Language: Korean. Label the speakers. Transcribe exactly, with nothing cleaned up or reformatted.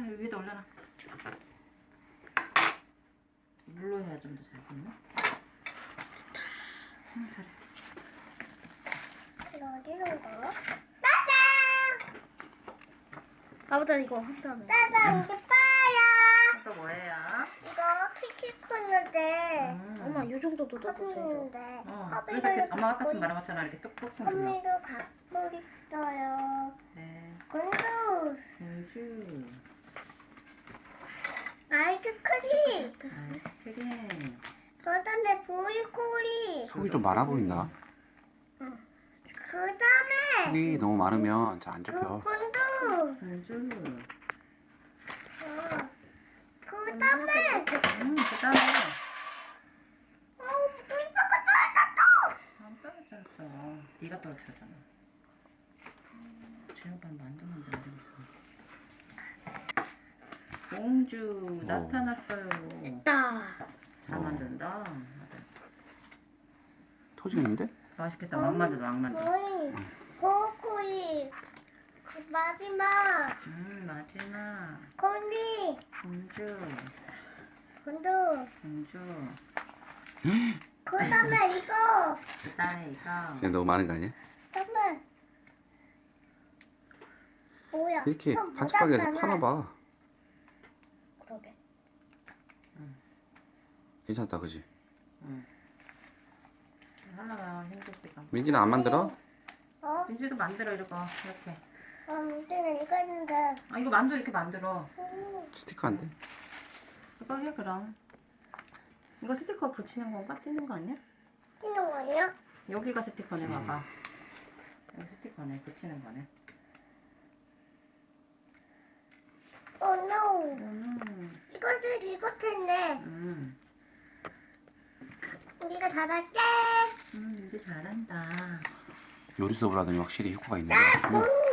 Speaker 1: 여기 위에다 올려놔. 물로 해야 좀 더 잘 붙나? 응, 잘했어.
Speaker 2: 이거 어디로 가? 따단!
Speaker 3: 아무튼 이거 한 다음에.
Speaker 2: 따단 이제 빠야.
Speaker 1: 이거 뭐예요?
Speaker 2: 이거 키키 컸는데
Speaker 1: 음.
Speaker 3: 엄마 이 정도도 넣어주세요.
Speaker 2: 컵인데
Speaker 1: 어,
Speaker 2: 컵이로
Speaker 1: 그래서 그, 엄마가 아까 지금
Speaker 2: 갖고
Speaker 1: 말한 것처럼 이렇게 뚝뚝 눌러.
Speaker 2: 컵이로 갖고 있어요.
Speaker 1: 네.
Speaker 2: 군두
Speaker 1: 공주.
Speaker 2: 아이스크림
Speaker 1: 아이스크림.
Speaker 2: 그다음에 보이콜이
Speaker 4: 속이 좀 많아 보인다.
Speaker 2: 그다음에
Speaker 4: 속이 너무 많으면 잘 안
Speaker 2: 그
Speaker 4: 잡혀.
Speaker 2: 군두
Speaker 1: 공주.
Speaker 2: 어. 그다음에
Speaker 1: 음, 그 다음에.
Speaker 2: 어 불빠가 떨어졌어.
Speaker 1: 안 떨어졌어. 네가 떨어뜨렸잖아. 제가 만두 만들어야겠어. 공주 나타났어요.
Speaker 3: 따.
Speaker 1: 잘 만든다.
Speaker 4: 터지는데?
Speaker 1: 맛있겠다. 왕만두, 왕만두.
Speaker 2: 거의 보이콜이 그 마지막
Speaker 1: 음, 마지막.
Speaker 2: 콜리
Speaker 1: 공주,
Speaker 2: 군두
Speaker 1: 공주.
Speaker 2: 그다음에 이거
Speaker 1: 그 다음에 이거.
Speaker 4: 그냥 너무 많은 거 아니야?
Speaker 2: 그다음에 뭐야?
Speaker 4: 이렇게
Speaker 2: 좀
Speaker 4: 반짝하게 해서
Speaker 2: 묻었잖아.
Speaker 4: 파나봐.
Speaker 3: 그러게.
Speaker 4: 괜찮다, 그지?
Speaker 1: 응. 하나가 힘들지가.
Speaker 4: 민지는 안 만들어?
Speaker 2: 어?
Speaker 1: 민지도 만들어, 이거. 이렇게.
Speaker 2: 아, 문제는 이거 있는데.
Speaker 1: 아, 이거 만두 이렇게 만들어.
Speaker 2: 음,
Speaker 4: 스티커 안 돼?
Speaker 1: 이거 해, 그럼. 이거 스티커 붙이는 건가? 띄는 거 아니야?
Speaker 2: 이런 거예요?
Speaker 1: 여기가 스티커네, 봐봐. 여기 스티커네, 붙이는 거네.
Speaker 2: 오, 노.
Speaker 1: 음,
Speaker 2: 이것을 이거 텐데.
Speaker 1: 음,
Speaker 2: 우리가 닫았게.
Speaker 1: 음, 민지 잘한다.
Speaker 4: 요리 수업을 하더니 확실히 효과가 있는 것
Speaker 2: 나
Speaker 4: 같아.
Speaker 2: 공주.